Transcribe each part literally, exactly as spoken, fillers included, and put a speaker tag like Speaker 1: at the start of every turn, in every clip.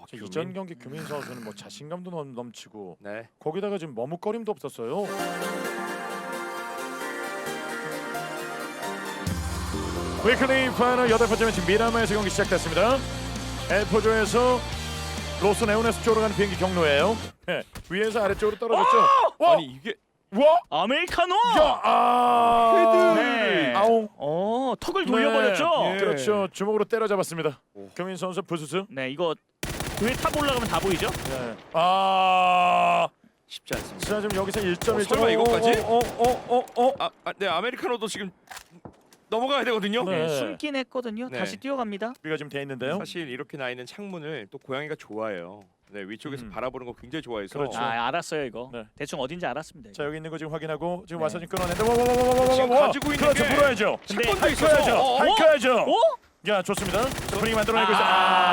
Speaker 1: 규민. 이전 경기 규민 선수는 뭐 자신감도 넘, 넘치고
Speaker 2: 네.
Speaker 1: 거기다가 지금 머뭇거림도 없었어요. 위클리 파이널 여덟 번째 매치 미라마에서 경기 시작됐습니다. 엘포조에서 로스 네오네스 쪽으로 가는 비행기 경로예요. 네, 위에서 아래쪽으로 떨어졌죠. 와!
Speaker 2: 아니 이게
Speaker 1: 와!
Speaker 3: 아메리카노!
Speaker 1: 야! 아!
Speaker 3: 네.
Speaker 1: 아웅.
Speaker 3: 어, 턱을 돌려버렸죠.
Speaker 1: 네.
Speaker 2: 예.
Speaker 1: 그렇죠. 주먹으로 때려잡았습니다.
Speaker 2: 오.
Speaker 1: 규민 선수 부스스.
Speaker 3: 네, 이거 그에 탑 올라가면 다 보이죠?
Speaker 1: 네. 아!
Speaker 2: 쉽지 않습니다.
Speaker 1: 자, 지금 여기서 일 점
Speaker 2: 어,
Speaker 1: 일 점.
Speaker 2: 설마 이것까지?
Speaker 1: 어, 어, 어, 어, 어.
Speaker 2: 아, 아, 네 아메리카노도 지금 넘어가야 되거든요.
Speaker 1: 네.
Speaker 3: 네, 숨긴 했거든요.
Speaker 2: 네.
Speaker 3: 다시 뛰어갑니다.
Speaker 1: 우리가 지금 돼 있는데요.
Speaker 2: 사실 이렇게 나 있는 창문을 또 고양이가 좋아해요. 네 위쪽에서
Speaker 1: 음.
Speaker 2: 바라보는 거 굉장히 좋아해서.
Speaker 1: 그렇죠.
Speaker 3: 아, 알았어요 이거.
Speaker 1: 네.
Speaker 3: 대충 어딘지 알았습니다.
Speaker 1: 자, 여기 있는 거 지금 확인하고 지금
Speaker 3: 네.
Speaker 1: 와서 지금 끊어낸다. 와, 와, 와, 와, 와, 와,
Speaker 2: 지금
Speaker 1: 와.
Speaker 2: 가지고 있는
Speaker 1: 그렇죠.
Speaker 2: 게
Speaker 1: 불어야죠.
Speaker 3: 근데
Speaker 2: 샷건도 있어서.
Speaker 1: 할까야죠.
Speaker 2: 어, 어?
Speaker 1: 할까야죠.
Speaker 3: 어?
Speaker 1: 야, 좋습니다. 자, 분위기 만들어내고 있어.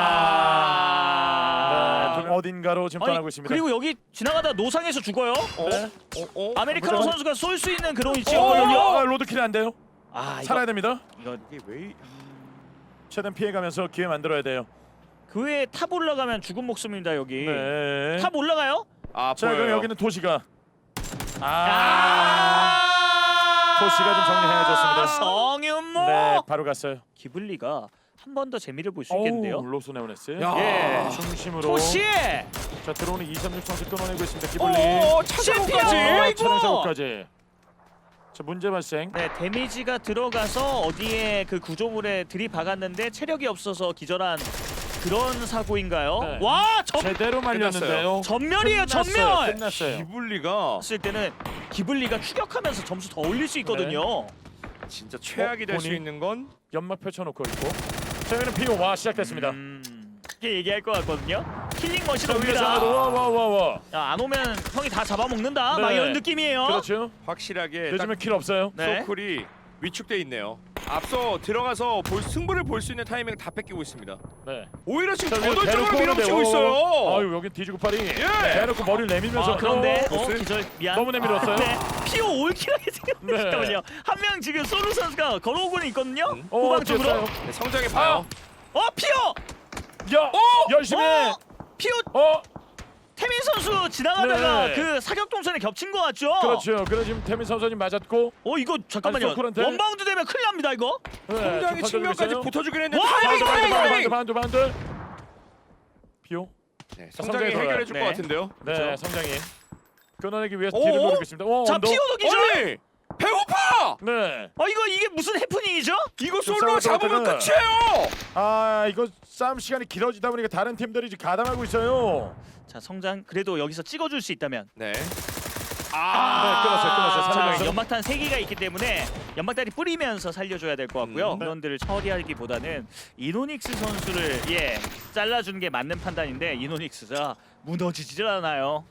Speaker 3: 아.
Speaker 1: 네, 좀 어딘가로 지금 떠나고 있습니다.
Speaker 3: 그리고 여기 지나가다 노상에서 죽어요.
Speaker 2: 어?
Speaker 1: 네.
Speaker 2: 어? 어?
Speaker 3: 아메리카노
Speaker 1: 무조건-
Speaker 3: 선수가 쏠 수 있는 그런
Speaker 1: 어,
Speaker 3: 위치였거든요.
Speaker 1: 아, 로드킬이 안 돼요.
Speaker 3: 아, 이거
Speaker 1: 살아야 됩니다.
Speaker 3: 이거
Speaker 2: 이게 왜?
Speaker 1: 최대한 피해가면서 기회 만들어야 돼요.
Speaker 3: 그 외에 탑 올라가면 죽은 목숨입니다 여기.
Speaker 1: 네.
Speaker 3: 탑 올라가요?
Speaker 2: 아
Speaker 1: 자,
Speaker 2: 보여요.
Speaker 1: 그럼 여기는 도시가. 아.
Speaker 3: 아,
Speaker 1: 도시가 좀 정리해줬습니다.
Speaker 3: 성윤모.
Speaker 1: 네, 바로 갔어요.
Speaker 3: 기블리가 한 번 더 재미를 볼 수 있겠는데요.
Speaker 1: 어우, 로스 네오네스.
Speaker 2: 야.
Speaker 3: 예.
Speaker 1: 중심으로.
Speaker 3: 토시.
Speaker 1: 자, 들어오는 이삼육 선수 끊어내고 있습니다. 기블리.
Speaker 2: 오 차장까지.
Speaker 3: 실패야.
Speaker 1: 어,
Speaker 3: 아이고.
Speaker 1: 차량 사고까지. 자, 문제 발생.
Speaker 3: 네, 데미지가 들어가서 어디에 그 구조물에 들이박았는데 체력이 없어서 기절한 그런 사고인가요?
Speaker 1: 네.
Speaker 3: 와, 전
Speaker 1: 제대로 말렸는데요.
Speaker 3: 전멸이에요,
Speaker 1: 끝났어요.
Speaker 3: 전멸.
Speaker 1: 끝났어요.
Speaker 2: 기블리가
Speaker 3: 했을 때는 기블리가 추격하면서 점수 더 올릴 수 있거든요.
Speaker 2: 진짜 최악이 될 수
Speaker 1: 본인?
Speaker 2: 있는 건
Speaker 1: 연막 펼쳐놓고 있고. 자, 여기는 피오 와 시작됐습니다.
Speaker 3: 음, 이렇게 얘기할 것 같거든요. 킬링 머신
Speaker 1: 자, 위에서
Speaker 3: 옵니다.
Speaker 1: 와와와와.
Speaker 3: 야, 안 오면 형이 다 잡아먹는다. 막
Speaker 1: 네.
Speaker 3: 이런 느낌이에요.
Speaker 1: 그렇죠.
Speaker 2: 확실하게 딱
Speaker 1: 요즘에 킬 없어요.
Speaker 3: 네.
Speaker 2: 소쿨이 위축돼 있네요. 앞서 들어가서 볼, 승부를 볼 수 있는 타이밍을 다 뺏기고 있습니다.
Speaker 1: 네.
Speaker 2: 오히려 지금
Speaker 1: 자, 위에서
Speaker 2: 거돌적으로
Speaker 1: 대놓고
Speaker 2: 밀어붙이고
Speaker 1: 오는데,
Speaker 2: 있어요.
Speaker 1: 어, 아유, 여기 뒤지고 팔이.
Speaker 2: 예.
Speaker 1: 대놓고 머리를 내밀면서.
Speaker 3: 아, 그런데
Speaker 1: 어,
Speaker 3: 어,
Speaker 2: 보스?
Speaker 3: 기절 미안.
Speaker 1: 너무 내밀었어요.
Speaker 3: 네. 피오 올킬하게 생겼네.
Speaker 1: 네.
Speaker 3: 잠깐만요. 한 명 지금 소루 선수가 걸어오고는 있거든요.
Speaker 2: 음.
Speaker 1: 어,
Speaker 3: 후방 쪽으로.
Speaker 1: 됐어요.
Speaker 2: 네, 성장해 봐요.
Speaker 3: 어, 피오.
Speaker 1: 야, 열심히. 해.
Speaker 3: 어, 피오
Speaker 1: 어,
Speaker 3: 태민 선수 지나가다가
Speaker 1: 네.
Speaker 3: 그 사격 동선에 겹친 거 같죠?
Speaker 1: 그렇죠. 그래 지금 태민 선수님 맞았고.
Speaker 3: 어, 이거 잠깐만요.
Speaker 1: 아니, 소쿨한테?
Speaker 3: 원바운드 되면 큰일 납니다, 이거.
Speaker 1: 네,
Speaker 2: 성장의
Speaker 1: 좀
Speaker 2: 측면까지
Speaker 1: 있어요.
Speaker 2: 붙어주긴 했는데
Speaker 3: 와,
Speaker 2: 타이밍
Speaker 3: 이거,
Speaker 2: 타이밍
Speaker 3: 이거,
Speaker 2: 타이밍.
Speaker 1: 반도 반도 반도. 피오.
Speaker 2: 네,
Speaker 1: 자,
Speaker 2: 성장이
Speaker 1: 성장이
Speaker 2: 해결해 줄 것
Speaker 3: 네.
Speaker 2: 같은데요.
Speaker 1: 네,
Speaker 2: 그렇죠?
Speaker 1: 성장이 끊어내기 위해서
Speaker 2: 오,
Speaker 1: 뒤를
Speaker 2: 오?
Speaker 1: 노리고 있습니다. 오,
Speaker 3: 자,
Speaker 1: 언더.
Speaker 3: 피오도 기절.
Speaker 2: 아니 배고파.
Speaker 1: 네.
Speaker 3: 어, 이거 이게 무슨 해프닝이죠?
Speaker 2: 이거
Speaker 1: 좀
Speaker 2: 솔로
Speaker 1: 싸우다가
Speaker 2: 잡으면
Speaker 1: 그러면-
Speaker 2: 끝이에요.
Speaker 1: 아, 이거 싸움 시간이 길어지다 보니까 다른 팀들이 지금 가담하고 있어요.
Speaker 3: 자, 성장 그래도 여기서 찍어줄 수 있다면.
Speaker 2: 네.
Speaker 1: 네, 끊었어요, 끊었어요.
Speaker 3: 자,
Speaker 1: 살려서.
Speaker 3: 연막탄 세 개가 있기 때문에 연막탄이 뿌리면서 살려줘야 될 것 같고요.
Speaker 2: 음,
Speaker 1: 네.
Speaker 3: 인원들을 처리하기보다는 이노닉스 선수를 예 잘라주는 게 맞는 판단인데 이노닉스가 무너지질 않아요.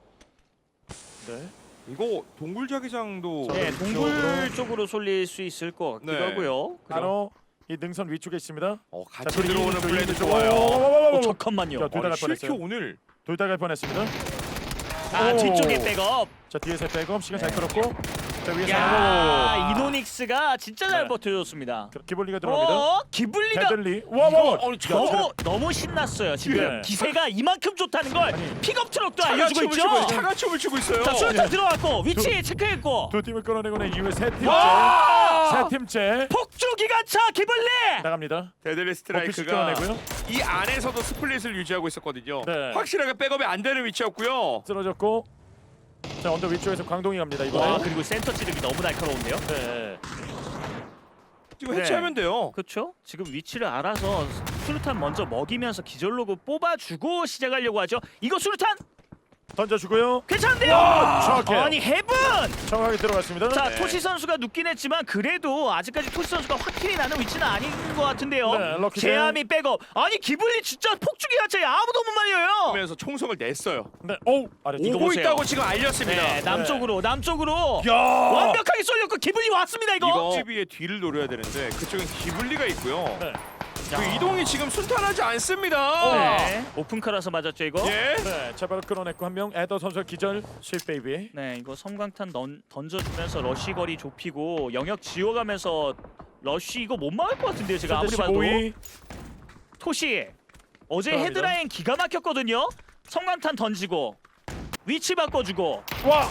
Speaker 1: 네.
Speaker 2: 이거 동굴 자기장도
Speaker 3: 네,
Speaker 1: 왼쪽으로.
Speaker 3: 동굴 쪽으로 쏠릴 수 있을 것 같기도
Speaker 2: 네.
Speaker 3: 하고요.
Speaker 1: 바로 이 능선 위쪽에 있습니다.
Speaker 2: 어,
Speaker 1: 자,
Speaker 2: 같이
Speaker 1: 그리고
Speaker 2: 들어오는
Speaker 1: 이- 이-
Speaker 2: 플레이도
Speaker 1: 이-
Speaker 2: 좋아요.
Speaker 3: 어,
Speaker 1: 어,
Speaker 3: 잠깐만요.
Speaker 1: 자, 둘 다 갈
Speaker 2: 실큐
Speaker 1: 뻔했어요.
Speaker 2: 오늘
Speaker 1: 둘 다 갈 뻔했습니다.
Speaker 3: 아,
Speaker 1: 오.
Speaker 3: 뒤쪽에 백업.
Speaker 1: 자, 뒤에서 백업 시간 잘
Speaker 3: 네.
Speaker 1: 끌었고. 자, 위에서
Speaker 3: 야, 이노닉스가 진짜 잘
Speaker 1: 네.
Speaker 3: 버텨줬습니다.
Speaker 1: 그 기볼리가 들어옵니다.
Speaker 3: 어, 기블리가
Speaker 1: 데들리. 와, 와, 와.
Speaker 2: 이거, 어,
Speaker 1: 야,
Speaker 3: 너무 너무 신났어요. 지금
Speaker 1: 예.
Speaker 3: 기세가 이만큼 좋다는 걸
Speaker 1: 아니,
Speaker 3: 픽업 트럭도
Speaker 2: 차가
Speaker 3: 알려주고
Speaker 2: 춤을
Speaker 3: 있죠.
Speaker 2: 추고 있- 차가 춤을 추고 있어요.
Speaker 3: 자, 수류탄
Speaker 1: 예.
Speaker 3: 들어왔고 위치 체크했고
Speaker 1: 두 팀을 끌어내고 난 이후에 세 팀째.
Speaker 3: 와!
Speaker 1: 세 팀째
Speaker 3: 폭주 기관차 기블리.
Speaker 1: 나갑니다.
Speaker 2: 데들리
Speaker 1: 어피스
Speaker 2: 스트라이크가
Speaker 1: 끌어내고요.
Speaker 2: 이 안에서도 스플릿을 유지하고 있었거든요.
Speaker 1: 네.
Speaker 2: 확실하게 백업이 안 되는 위치였고요.
Speaker 1: 쓰러졌고. 자, 언더 위쪽에서 광동이 갑니다.
Speaker 3: 와,
Speaker 1: 이번에.
Speaker 3: 그리고 센터 찌르기 너무 날카로운데요.
Speaker 1: 네.
Speaker 2: 지금
Speaker 3: 네.
Speaker 2: 해체하면 돼요.
Speaker 3: 그렇죠? 지금 위치를 알아서 수류탄 먼저 먹이면서 기절로그 뽑아주고 시작하려고 하죠. 이거 수류탄
Speaker 1: 던져주고요.
Speaker 3: 괜찮은데요?
Speaker 1: 와, 정확해요.
Speaker 3: 아니 헤븐!
Speaker 1: 정확하게 들어갔습니다.
Speaker 3: 자,
Speaker 2: 네.
Speaker 3: 토시 선수가 눕긴 했지만 그래도 아직까지 토시 선수가 확실히 나는 위치는 아닌 것 같은데요.
Speaker 1: 네, 럭키
Speaker 3: 제암이 백업. 아니 기블리 진짜 폭주기 자체 아무도 못 말려요.
Speaker 2: 하면서 총성을 냈어요.
Speaker 1: 네. 오, 아래
Speaker 3: 이거
Speaker 2: 오고
Speaker 3: 보세요.
Speaker 2: 있다고 지금 알렸습니다.
Speaker 3: 네, 남쪽으로 남쪽으로
Speaker 1: 야!
Speaker 3: 완벽하게 쏠렸고 기블리 왔습니다 이거.
Speaker 2: 이거 지비의 뒤를 노려야 되는데 그쪽엔 기블리가 있고요.
Speaker 1: 네.
Speaker 2: 그 이동이 지금 순탄하지 않습니다.
Speaker 3: 네, 오픈카라서 맞았죠 이거.
Speaker 2: 예.
Speaker 1: 네, 자 바로 끌어냈고 한 명 에더 선수 기절 스윗 베이비.
Speaker 3: 네, 이거 섬광탄 던, 던져주면서 러쉬 거리 좁히고 영역 지워가면서 러쉬 이거 못 막을 것 같은데요 제가 아무리 봐도.
Speaker 1: 십오 위.
Speaker 3: 토시 어제
Speaker 1: 들어갑니다.
Speaker 3: 헤드라인 기가 막혔거든요. 성광탄 던지고 위치 바꿔주고.
Speaker 1: 와.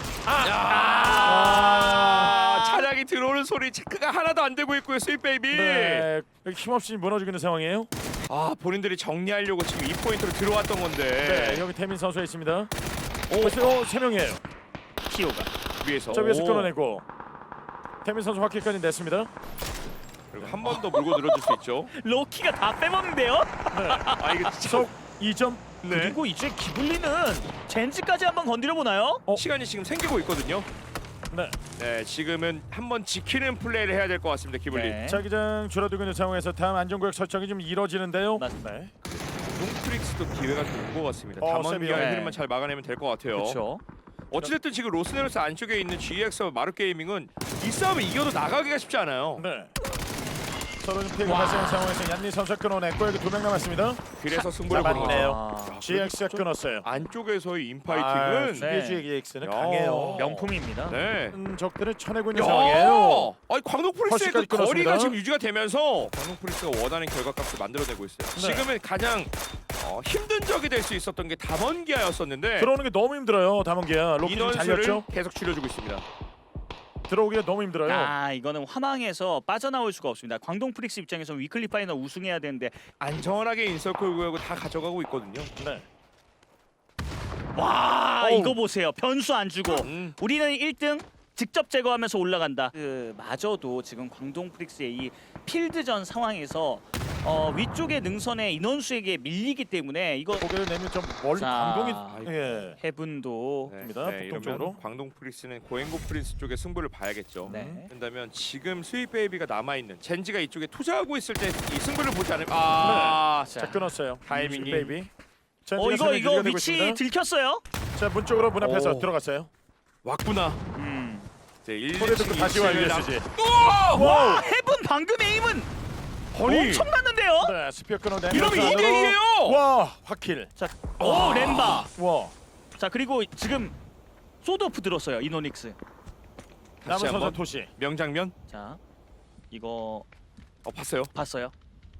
Speaker 2: 아, 차량이 들어오는 소리 체크가 하나도 안 되고 있고요, 스윗 베이비.
Speaker 1: 네. 여기 힘없이 무너지고 있는 상황이에요.
Speaker 2: 아, 본인들이 정리하려고 지금 이 포인트로 들어왔던 건데.
Speaker 1: 네. 여기 태민 선수가 있습니다. 오, 벌써 세 명이에요.
Speaker 3: 키오가.
Speaker 2: 위에서.
Speaker 1: 저 위에서
Speaker 3: 오.
Speaker 1: 끌어내고 태민 선수 확킬까지 냈습니다.
Speaker 2: 그리고 한 번 더 물고 늘어줄 수 있죠.
Speaker 3: 로키가 다 빼먹는데요.
Speaker 2: 아, 이거 진짜.
Speaker 1: 속 이 점.
Speaker 2: 네.
Speaker 3: 그리고 이제 기블리는 젠지까지 한번 건드려 보나요?
Speaker 1: 어?
Speaker 2: 시간이 지금 생기고 있거든요.
Speaker 1: 네.
Speaker 2: 네, 지금은 한번 지키는 플레이를 해야 될 것 같습니다, 기블리.
Speaker 3: 네.
Speaker 1: 자기장 줄어들고 있는 상황에서 다음 안전구역 설정이 좀 이루어지는데요.
Speaker 3: 맞습니다.
Speaker 1: 네.
Speaker 2: 롱프릭스도 기회가 좀 온 것 같습니다.
Speaker 1: 어,
Speaker 2: 담원기아의
Speaker 1: 세비야.
Speaker 2: 흐름만 잘 막아내면 될 것 같아요.
Speaker 3: 그렇죠.
Speaker 2: 어찌됐든 지금 로스네로스 안쪽에 있는 지엑스와 마루게이밍은 이 싸움을 이겨도 나가기가 쉽지 않아요.
Speaker 1: 네. 서로 좀 피해가 발생한 상황에서 얀니 선수가 끊어냈고 여기 두 명 남았습니다.
Speaker 2: 그래서 승부를 보는 거죠.
Speaker 1: 잡았네요.
Speaker 3: 아,
Speaker 1: 지엑스가
Speaker 2: 좀
Speaker 1: 끊었어요.
Speaker 2: 안쪽에서의
Speaker 1: 아,
Speaker 2: 인파이팅은
Speaker 3: 네.
Speaker 1: 지엑스는
Speaker 2: 야.
Speaker 1: 강해요.
Speaker 3: 명품입니다.
Speaker 2: 네.
Speaker 1: 음, 적들을 쳐내고 있는
Speaker 2: 야!
Speaker 1: 상황이에요.
Speaker 2: 아니 광동 프리스의 그
Speaker 1: 펄스까지 끊었습니다.
Speaker 2: 거리가 지금 유지가 되면서 광동 프리스가 원하는 결과값을 만들어내고 있어요.
Speaker 1: 네.
Speaker 2: 지금은 가장 어, 힘든 적이 될 수 있었던 게 담원기아였었는데
Speaker 1: 들어오는 게 너무 힘들어요. 담원기야. 로키 좀
Speaker 2: 인원수를
Speaker 1: 잘렸죠?
Speaker 2: 계속 줄여주고 있습니다.
Speaker 1: 들어오기가 너무 힘들어요.
Speaker 3: 아 이거는 화망에서 빠져나올 수가 없습니다. 광동 프릭스 입장에서 위클리 파이널 우승해야 되는데
Speaker 2: 안전하게 인서클 구역을 다 가져가고 있거든요.
Speaker 1: 네.
Speaker 3: 와
Speaker 1: 어우.
Speaker 3: 이거 보세요. 변수 안 주고
Speaker 2: 음.
Speaker 3: 우리는 일 등 직접 제거하면서 올라간다. 그 마저도 지금 광동 프릭스의 이 필드전 상황에서 어, 위쪽의 능선의 인원수에게 밀리기 때문에 이거
Speaker 1: 고개를 내면 좀 멀리
Speaker 3: 자.
Speaker 1: 감동이 예.
Speaker 3: 해븐도
Speaker 2: 네,
Speaker 1: 입니다.
Speaker 2: 네,
Speaker 1: 북동쪽으로.
Speaker 2: 이러면 광동 프리스는 고행고 프린스 쪽에 승부를 봐야겠죠.
Speaker 3: 네.
Speaker 2: 그렇다면 지금 스윗 베이비가 남아 있는 젠지가 이쪽에 투자하고 있을 때 이 승부를 보지 않으면 아,
Speaker 1: 자, 끊었어요.
Speaker 2: 타이밍이.
Speaker 1: 베이비. 자,
Speaker 3: 어
Speaker 1: 지금
Speaker 3: 이거
Speaker 1: 선이
Speaker 3: 이거
Speaker 1: 유지가 되고
Speaker 3: 위치
Speaker 1: 있습니다.
Speaker 3: 들켰어요.
Speaker 1: 자, 문 쪽으로 문 앞에서
Speaker 2: 오.
Speaker 1: 들어갔어요.
Speaker 2: 왔구나.
Speaker 3: 음.
Speaker 2: 이제 일,
Speaker 1: 소리 듣고 다시 와 유에스지.
Speaker 3: 와 해븐 방금 에임은
Speaker 2: 아니.
Speaker 3: 엄청났는데요.
Speaker 1: 네, 스피어 끊어내면서
Speaker 2: 이러면 이 대
Speaker 1: 안으로.
Speaker 2: 이예요.
Speaker 1: 와, 확킬.
Speaker 3: 자, 오 렘바.
Speaker 1: 와.
Speaker 3: 자 그리고 지금 소드오프 들었어요 이노닉스.
Speaker 1: 남은
Speaker 2: 다시
Speaker 1: 선수
Speaker 2: 한번
Speaker 1: 토시.
Speaker 2: 명장면.
Speaker 3: 자 이거
Speaker 2: 어 봤어요.
Speaker 3: 봤어요.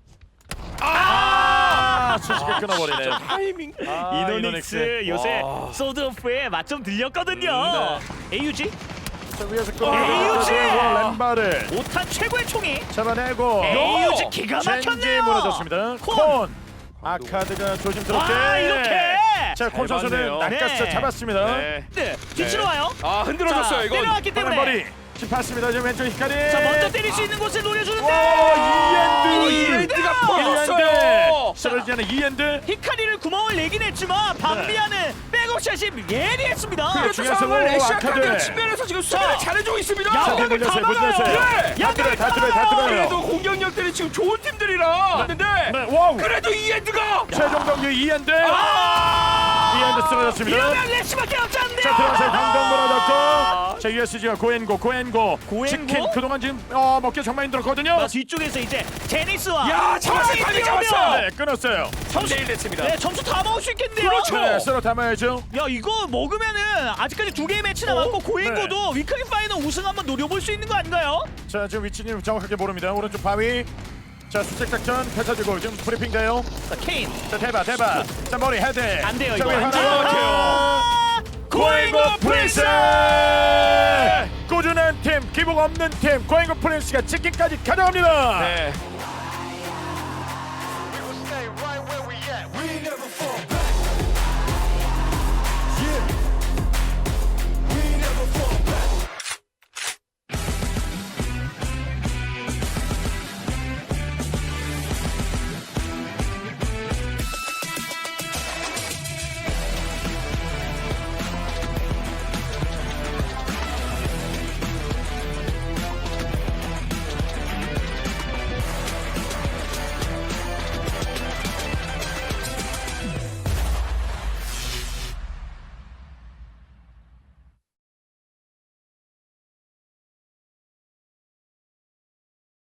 Speaker 1: 아, 수식을 끊어버리네요.
Speaker 2: 타이밍.
Speaker 1: 아,
Speaker 3: 이노닉스 요새
Speaker 2: 와.
Speaker 3: 소드오프에 맛 좀 들렸거든요. 에이유지
Speaker 1: 자, 위에서
Speaker 3: 에이유지!
Speaker 1: 끊어내고 램바를
Speaker 3: 오 탄 최고의 총이
Speaker 1: 잡아내고
Speaker 3: 에이유지 기가
Speaker 1: 젠지
Speaker 3: 막혔네요.
Speaker 1: 무너졌습니다.
Speaker 3: 콘.
Speaker 1: 콘. 아카드가 조심스럽게.
Speaker 3: 와 이렇게.
Speaker 1: 자, 콘
Speaker 2: 잘
Speaker 1: 선수는
Speaker 2: 봤네요.
Speaker 1: 낚았어
Speaker 3: 네.
Speaker 1: 잡았습니다.
Speaker 2: 네.
Speaker 3: 네 뒤치로
Speaker 2: 네.
Speaker 3: 와요.
Speaker 2: 아 흔들어졌어요
Speaker 3: 자,
Speaker 2: 이건.
Speaker 3: 내려왔기 때문에.
Speaker 1: 머리. 지금 봤습니다. 지금 왼쪽 히카리.
Speaker 3: 자 먼저 때릴 수 있는 곳에 노려주는데.
Speaker 1: 와,
Speaker 2: 오,
Speaker 1: 이엔드.
Speaker 2: 이엔드가
Speaker 1: 이엔드.
Speaker 2: 퍼졌어요.
Speaker 1: 쓰러지지 않은 이엔드.
Speaker 3: 히카리를 구멍을 내긴 했지만 방비하는 백업샷이 예리했습니다.
Speaker 1: 그렇죠.
Speaker 2: 그
Speaker 1: 중요한
Speaker 2: 상황을
Speaker 1: 상황,
Speaker 2: 에시아
Speaker 1: 아카드.
Speaker 2: 카드가 측면에서 지금 수비를
Speaker 3: 자.
Speaker 2: 잘해주고 있습니다.
Speaker 1: 자,
Speaker 3: 양각을
Speaker 1: 물렸어요.
Speaker 3: 다
Speaker 1: 물렸어요.
Speaker 3: 막아요.
Speaker 2: 네.
Speaker 1: 다 들어요. 다 들어요. 다 들어요.
Speaker 2: 그래도 공격력들이 지금 좋은 팀들이라. 근데
Speaker 1: 네, 와우.
Speaker 2: 그래도 이엔드가.
Speaker 1: 최종 경기 이엔드.
Speaker 2: 아!
Speaker 1: 이엔드 쓰러졌습니다.
Speaker 3: 이러면 렉시밖에 없지 않네요.
Speaker 1: 자, 들어가서 강동 무너졌고. 자, 유에스지가 고엔고, 고엔고.
Speaker 3: 고엔고?
Speaker 1: 치킨 그동안 지금 어, 먹기 정말 힘들었거든요.
Speaker 3: 아, 뒤쪽에서 이제 제니스와
Speaker 2: 야, 잡았어요.
Speaker 3: 호랑이
Speaker 2: 타이밍
Speaker 3: 뛰어오면
Speaker 2: 잡았어요.
Speaker 1: 네, 끊었어요.
Speaker 2: 삼 대 일 됐습니다.
Speaker 3: 네 점수 다 먹을 수 있겠네요.
Speaker 2: 그렇죠.
Speaker 1: 네, 쓸어 담아야죠.
Speaker 3: 야 이거 먹으면은 아직까지 두 개의 매치 남았고 고행고도 위클리 파이널 우승 한번 노려볼 수 있는 거 아닌가요?
Speaker 1: 자, 지금 위치님 정확하게 모릅니다. 오른쪽 바위. 자, 수색 작전 펼쳐지고 지금 브리핑 돼요.
Speaker 3: 자 케인
Speaker 1: 자, 대박, 대박. 자, 머리 헤드.
Speaker 3: 안 돼요
Speaker 1: 자,
Speaker 3: 이거.
Speaker 1: 위에
Speaker 3: 안
Speaker 1: 하나.
Speaker 3: 돼요. 아,
Speaker 1: 고행고
Speaker 3: 고행고
Speaker 1: 프린스! 꾸준한 팀, 기복 없는 팀, 고행고 프린스가 치킨까지 가져갑니다.
Speaker 2: 네.